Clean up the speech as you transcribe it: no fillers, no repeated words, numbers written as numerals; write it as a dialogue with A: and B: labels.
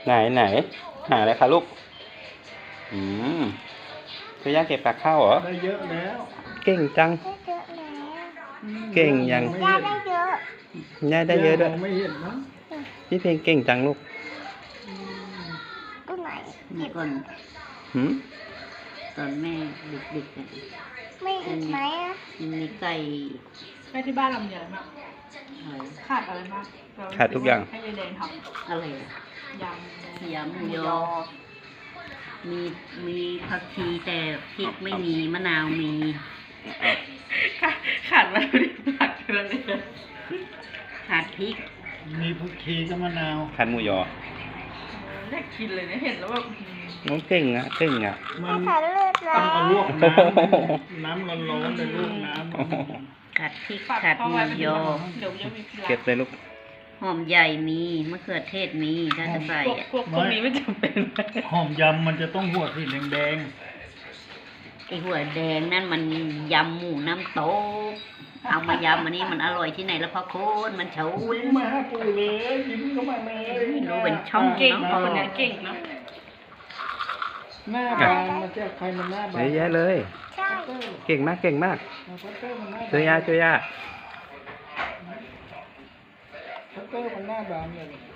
A: ไหนหาอะไรคะลูกอืมคือย่าเก็บผักข้าวเหรอ
B: ได้เยอะแล้ว
A: เก่งจัง
C: ได้เยอะแล้ว
A: เก่งยัง
C: ย่าได้เยอะ
A: ย่าได้เยอะด้วย
B: มองไม่เห็นมั้ง
A: พี่เพลงเก่งจังลูก
C: ก็ไหน
D: เมื่อก่อน
A: หืม
D: ตอนแม่ดึกๆกัน
C: ไม่อีกไหมอ่ะ
D: มันมีไก่
E: แม่ที่บ้านลำใหญ่มาก
D: อะไร
E: ขาดอะไรมากเร
A: ขาดทุกอย่าง
E: ให้ยายแดงท
D: อะไรอะ
E: ำยำ
D: ยำหมูยอ มีผักชีแต่พริกไม่มีมะนาวมี
E: ขาดอะไรไม่ได้ผักเลย
D: ขาดพริก
B: มีผักชีกับมะนาว
A: คันหมูยอ
E: อยากกินเลยนะเห็นแล้วแบบ
A: น้องเก่งอ่ะเก่งอ่ะ
B: มั
C: ให้
B: น
C: ฉันเลือดแล้
B: ต้องเอาล
C: ว
B: วกน้ำร้อนๆเลยลวกน้ำ
D: ขาดพริก
E: ปัด
D: ขาด
E: เข้า
D: หมู
E: ไว้เป็น
D: ยอ
E: เดี๋ยวจะมีเกลือ
A: เก็บเลยลูก
D: หอมใหญ่มีมะเขือเทศมีถ้าจะใส่อะ
E: พวกนี้ไม่จำเป็น
B: หอมยำมันจะต้องหัวสีแดง
D: ไอหัวแดงนั่นมันยำหมูน้ำโต๊กเอามายำอันนี้มันอร่อยที่ไหนแล้วพ่อโคนมันเฉา
B: ๆวิ่งมาหาปู่เลยยิ้มเข้ามาเลย
D: ไม่รู้เป็นช่อง
E: เก่ง
D: เนาะ
E: คนนี้เก่งเนาะ
B: หน้าบานมาจากใครมันหน้าบา
A: เย
B: น
A: อะแยะเลย
C: ใช่
A: เก่งมากเก่งมาก
B: พัตเตอร์มันหน้าบาน
A: ช่วยย่า
B: พัตเตอร์มันหน้าบานเลย